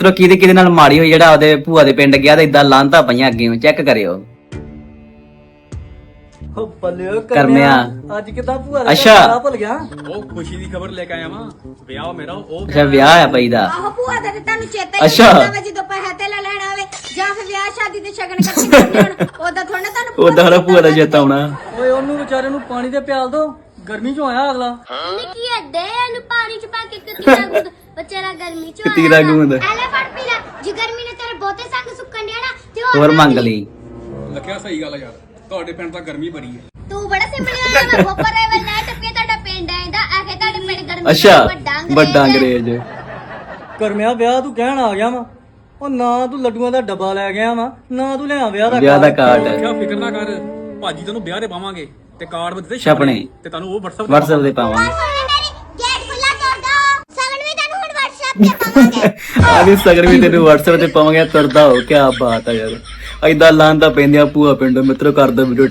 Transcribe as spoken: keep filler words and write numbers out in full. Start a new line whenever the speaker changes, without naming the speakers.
ਚਲੋ ਕਿਹਦੇ ਕਿਹਦੇ ਨਾਲ ਮਾੜੀ ਹੋਈ ਜਿਹੜਾ ਉਹਦੇ ਭੂਆ ਦੇ ਪਿੰਡ ਗਿਆ ਤੇ ਇਦਾਂ ਲਾਂਤਾ ਪਈਆਂ ਅੱਗੇ ਚੈੱਕ ਕਰਿਓ।
ਓ ਬੱਲਿਓ
ਕਰਮਿਆ
ਅੱਜ ਕਿਦਾਂ ਭੂਆ ਦਾ
ਅੱਛਾ।
ਘਰ ਭੁੱਲ ਗਿਆ।
ਉਹ ਖੁਸ਼ੀ ਦੀ ਖਬਰ ਲੈ ਕੇ ਆਇਆ ਵਾਂ ਵਿਆਹ ਮੇਰਾ ਉਹ
ਅੱਛਾ ਵਿਆਹ ਆ ਪਈ ਦਾ।
ਆਹੋ ਭੂਆ ਦਾ ਤੇ ਤੁਹਾਨੂੰ ਚੇਤਾ ਹੀ
ਅੱਛਾ।
ਨਹੀਂ ਹੁੰਦਾ ਜਦੋਂ ਪੈਸੇ ਤੇ ਲੈ ਲੈਣਾ ਹੋਵੇ ਜਾਂ ਫਿਰ ਵਿਆਹ ਸ਼ਾਦੀ ਤੇ ਸ਼ਗਨ ਇਕੱਠੇ ਕਰਨੇ ਹੋਣ ਉਦਾਂ ਥੋੜਾ ਤੁਹਾਨੂੰ
ਉਦਾਂ ਹਲਾ ਭੂਆ ਦਾ ਚੇਤਾ ਆਉਣਾ।
ਓਏ ਉਹਨੂੰ ਵਿਚਾਰੇ ਨੂੰ ਪਾਣੀ ਤੇ ਪਿਆਲ ਦੋ ਗਰਮੀ ਚੋਂ ਆਇਆ ਅਗਲਾ।
ਨਿੱਕੀ ਅੱਡੇ ਇਹਨੂੰ ਪਾਣੀ ਚ ਪਾ ਕੇ ਕਿਤੀਰਾ ਗੁੱਦ ਬਚੇਰਾ ਗਰਮੀ ਚ
ਕਿਤੀਰਾ ਗੁੰਦ
ਐਲੇ ਫੜ ਪੀ ਲੈ ਜੇ ਗਰਮੀ ਨੇ ਤੇਰੇ ਬਹੁਤੇ ਸੰਗ ਸੁੱਕਣ ਡਿਆ ਨਾ ਤੇ ਹੋਰ
ਹੋਰ ਮੰਗ ਲਈ।
ਲੱਖਿਆ ਸਹੀ ਗੱਲ ਆ ਯਾਰ ਤੁਹਾਡੇ ਪਿੰਡ ਤਾਂ ਗਰਮੀ ਬੜੀ ਹੈ।
ਤੂੰ ਬੜਾ ਸਿੰਪਲ ਆ ਮੈਂ ਗੋਪਰ ਰੇਵਲ ਨਾ ਟੱਪੇ ਤੁਹਾਡਾ ਪਿੰਡ ਆਂਦਾ ਆ ਕੇ ਤੁਹਾਡੇ ਪਿੰਡ ਗਰਮੀ
ਅੱਛਾ
ਵੱਡਾ
ਵੱਡਾ ਅੰਗਰੇਜ਼।
ਕਰਮਿਆ ਵਿਆਹ ਤੂੰ ਕਹਿਣ ਆ ਗਿਆ ਵਾ। ਉਹ ਨਾ ਤੂੰ ਲੱਡੂਆਂ ਦਾ ਡੱਬਾ ਲੈ ਗਿਆ ਵਾ ਨਾ ਤੂੰ ਲਿਆ ਵਿਆਹ ਦਾ
ਵਿਆਹ ਦਾ
ਕਾਰਡ।
ਕਾਰਡ
ਲੱਖਿਆ ਫਿਕਰ ਨਾ ਕਰ ਭਾਜੀ ਤੈਨੂੰ ਵਿਆਹ ਤੇ ਪਾਵਾਂਗੇ ਤੇ ਕਾਰਡ ਵਿੱਚ ਦਿੱਤੇ
ਛਪਣੇ
ਤੇ ਤੁਹਾਨੂੰ ਉਹ WhatsApp ਤੇ
WhatsApp ਤੇ ਪਾਵਾਂਗੇ।
ਗੇਟ ਖੁੱਲਾ ਕਰ ਦੋ ਸਗਨ ਵੀ ਤੁਹਾਨੂੰ ਹੁਣ WhatsApp ਤੇ ਪਾਵਾਂਗੇ।
ਆ ਵੀ ਸਗਰ ਵੀ ਤੈਨੂੰ WhatsApp ਤੇ ਪਾਵਾਂਗੇ ਤੁਰਦਾ ਹੋ। ਕੀ ਬਾਤ ਆ ਯਾਰ ਏਦਾਂ ਲਾਂਦਾ ਪੈਂਦੀਆਂ ਭੂਆ ਪਿੰਡ ਮਿੱਤਰੋ ਕਰਦਾ ਵੀਡੀਓ